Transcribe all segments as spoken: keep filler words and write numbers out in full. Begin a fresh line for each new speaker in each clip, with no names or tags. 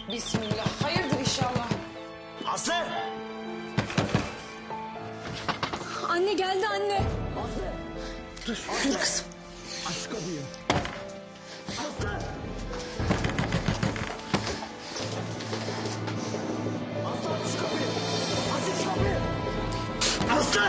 Bismillah. Hayırdır inşallah.
Aslı!
Anne geldi anne.
Aslı!
Dur, dur kızım.
Aç şu kapıyı. Aslı! Aslı aç şu kapıyı. Aç şu kapıyı. Aslı!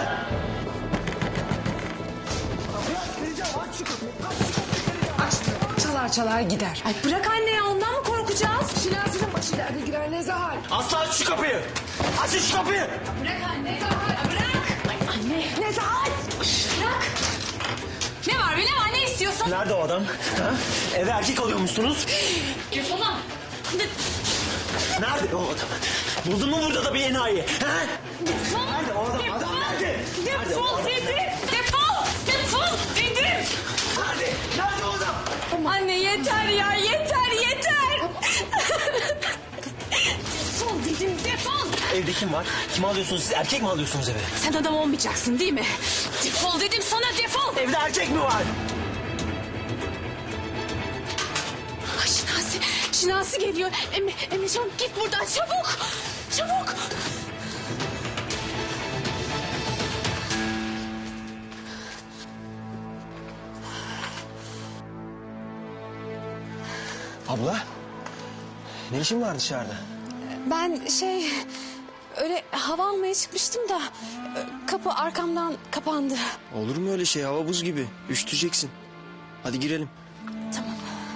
Kapıyı aç, vereceğim. Aç şu kapıyı. Aç şu kapıyı, vereceğim.
Aç. Çalar çalar gider. Ay bırak anne ya, ondan mı korkacağız? Şinasi'nin başı derde girer Nezahat.
Aslı aç şu kapıyı. Aç şu kapıyı.
Bırak anne. Nezahat bırak. Ay anne. Nezahat. Bırak. Ne var Bilal? Ne istiyorsun?
Nerede o adam? Ha? Eve erkek alıyormuşsunuz.
Defol.
Nerede o adam? Buldun mu burada da bir enayi? Ha?
Defol.
Nerede o adam?
Defol.
Adam nerede? Nerede o
Defol
adam?
dedim. Defol. Defol dedim.
Nerede? Nerede o adam?
Anne yeter ya, yeter yeter. Defol dedim, defol.
Evde kim var? Kim alıyorsunuz siz? Erkek mi alıyorsunuz eve?
Sen adam olmayacaksın değil mi? Defol dedim sana, defol.
Evde erkek mi var?
Ay Şinasi, Şinasi geliyor. Emre, Emrecan git buradan çabuk. Çabuk.
Abla, ne işin var dışarıda?
Ben şey, öyle hava almaya çıkmıştım da kapı arkamdan kapandı.
Olur mu öyle şey? Hava buz gibi. Üşüteceksin. Hadi girelim.
Tamam.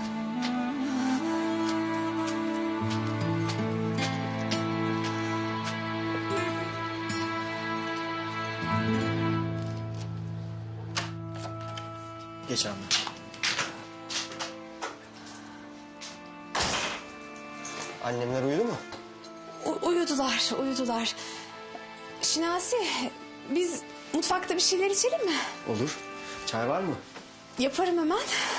Geç abla. Annemler uyudu mu?
U- uyudular, uyudular. Şinasi, biz mutfakta bir şeyler içelim mi?
Olur. Çay var mı?
Yaparım hemen.